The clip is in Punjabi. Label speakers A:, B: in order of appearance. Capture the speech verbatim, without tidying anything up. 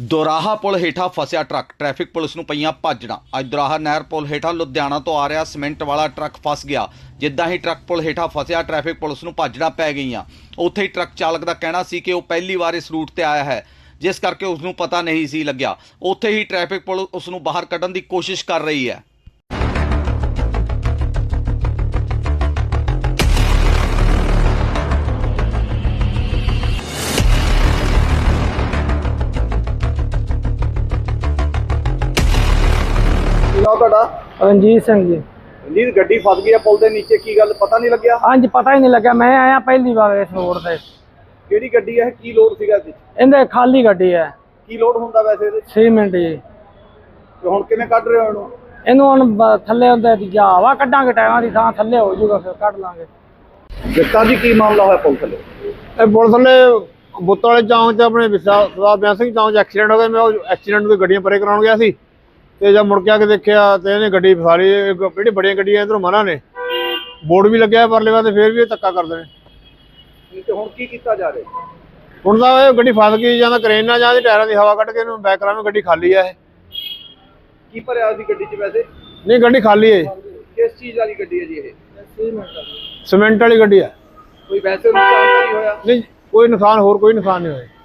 A: ਦੋਰਾਹਾ ਪੁਲ ਹੇਠਾਂ ਫਸਿਆ ਟਰੱਕ। ਟ੍ਰੈਫਿਕ ਪੁਲਿਸ ਨੂੰ ਪਈਆਂ ਭਾਜੜਾਂ। ਅੱਜ ਦੋਰਾਹਾ ਨਹਿਰ ਪੁਲ ਹੇਠਾਂ ਲੁਧਿਆਣਾ ਤੋਂ ਆ ਰਿਹਾ ਸੀਮੈਂਟ ਵਾਲਾ ਟਰੱਕ ਫਸ ਗਿਆ। ਜਿੱਦਾਂ ਹੀ ਟਰੱਕ ਪੁਲ ਹੇਠਾਂ ਫਸਿਆ, ਟ੍ਰੈਫਿਕ ਪੁਲਿਸ ਨੂੰ ਭਾਜੜਾਂ ਪੈ ਗਈਆਂ। ਉੱਥੇ ਹੀ ਟਰੱਕ ਚਾਲਕ ਦਾ ਕਹਿਣਾ ਸੀ ਕਿ ਉਹ ਪਹਿਲੀ ਵਾਰ ਇਸ ਰੂਟ ਤੇ ਆਇਆ ਹੈ, ਜਿਸ ਕਰਕੇ ਉਸ ਨੂੰ ਪਤਾ ਨਹੀਂ ਸੀ ਲੱਗਿਆ। ਉੱਥੇ ਹੀ ਟ੍ਰੈਫਿਕ ਪੁਲਿਸ ਉਸ ਨੂੰ ਬਾਹਰ ਕੱਢਣ ਦੀ ਕੋਸ਼ਿਸ਼ ਕਰ ਰਹੀ ਹੈ।
B: ਤੁਹਾਡਾ
C: ਰਣਜੀਤ ਸਿੰਘ ਜੀ।
B: ਰਣਜੀਤ, ਗੱਡੀ ਫਸ ਗਈ ਹੈ ਪੁਲ ਦੇ ਨੀਚੇ, ਕੀ ਗੱਲ ਪਤਾ ਨਹੀਂ ਲੱਗਿਆ?
C: ਹਾਂਜੀ, ਪਤਾ ਹੀ ਨਹੀਂ ਲੱਗਿਆ। ਮੈਂ ਆਇਆ ਪਹਿਲੀ ਵਾਰ ਇਸ ਰੋਡ ਤੇ।
B: ਕਿਹੜੀ ਗੱਡੀ ਹੈ? ਕੀ ਲੋਡ ਸੀਗਾ ਇਹਦੇ 'ਚ?
C: ਇਹਦੇ ਖਾਲੀ ਗੱਡੀ ਹੈ।
B: ਕੀ ਲੋਡ ਹੁੰਦਾ ਵੈਸੇ ਇਹਦੇ 'ਚ?
C: ਸੀਮੈਂਟ ਜੀ।
B: ਤੇ ਹੁਣ ਕਿਵੇਂ ਕੱਢ ਰਹੇ ਹੋ ਇਹਨੂੰ?
C: ਇਹਨੂੰ ਹੁਣ ਬ- ਥੱਲੇ ਹੁੰਦੇ ਜਾਂ ਹਵਾ ਕੱਢਾਂਗੇ, ਟਾਇਰਾਂ ਦੀ ਥਾਂ ਥੱਲੇ ਹੋ ਜਾਊਗਾ, ਫਿਰ ਕੱਢ ਲਾਂਗੇ।
B: ਜੱਟਾਂ ਜੀ, ਕੀ ਮਾਮਲਾ ਹੋਇਆ ਪੁਲ ਥੱਲੇ?
D: ਇਹ ਪੁਲ ਥੱਲੇ ਬੁੱਤ ਵਾਲੇ ਚੌਂਕ 'ਚ ਆਪਣੇ ਸਰਦਾਰ ਬਿਆਨ ਸਿੰਘ ਚੌਂਕ 'ਚ ਐਕਸੀਡੈਂਟ ਹੋ ਗਿਆ। ਮੈਂ ਉਹ ਐਕਸੀਡੈਂਟ ਤੋਂ ਗੱਡੀਆਂ ਪਰੇ ਕਰਾਉਣ ਗਿਆ ਸੀ, ਤੇ ਜਦ ਮੁੜ ਕੇ ਆ ਕੇ ਦੇਖਿਆ ਤੇ ਇਹਨੇ ਗੱਡੀ ਫਸਾਲੀ। ਜਿਹੜੀ ਬੜੀਆਂ ਗੱਡੀਆਂ ਇੱਧਰੋਂ ਮਨਾ ਨੇ, ਬੋਰਡ ਵੀ ਲੱਗਿਆ ਪਰਲੇ ਪਾਸੇ, ਫਿਰ ਵੀ ਇਹ ਧੱਕਾ ਕਰਦੇ ਨੇ।
B: ਤੇ ਹੁਣ ਕੀ ਕੀਤਾ ਜਾ ਰਿਹਾ?
D: ਹੁਣ ਤਾਂ ਇਹ ਗੱਡੀ ਫਸ ਗਈ, ਜਾਂ ਤਾਂ ਕਰੇਨ ਨਾਲ ਜਾਂ ਟਾਇਰਾਂ ਦੀ ਹਵਾ ਕੱਢ ਕੇ ਇਹਨੂੰ ਬੈਕ ਕਰਾਵੇਂ। ਗੱਡੀ ਖਾਲੀ ਆ ਇਹ।
B: ਕੀ ਭਰਿਆ ਸੀ ਗੱਡੀ 'ਚ ਵੈਸੇ?
D: ਨਹੀਂ, ਗੱਡੀ ਖਾਲੀ ਹੈ।
B: ਕਿਸ ਚੀਜ਼ ਵਾਲੀ ਗੱਡੀ ਹੈ ਜੀ ਇਹ?
D: ਸੀਮੈਂਟ ਵਾਲੀ ਗੱਡੀ ਹੈ।
B: ਕੋਈ ਵੈਸੇ ਨੁਕਸਾਨ ਤਾਂ ਨਹੀਂ ਹੋਇਆ?
D: ਨਹੀਂ, ਕੋਈ ਨੁਕਸਾਨ, ਹੋਰ ਕੋਈ ਨੁਕਸਾਨ ਨਹੀਂ ਹੋਇਆ।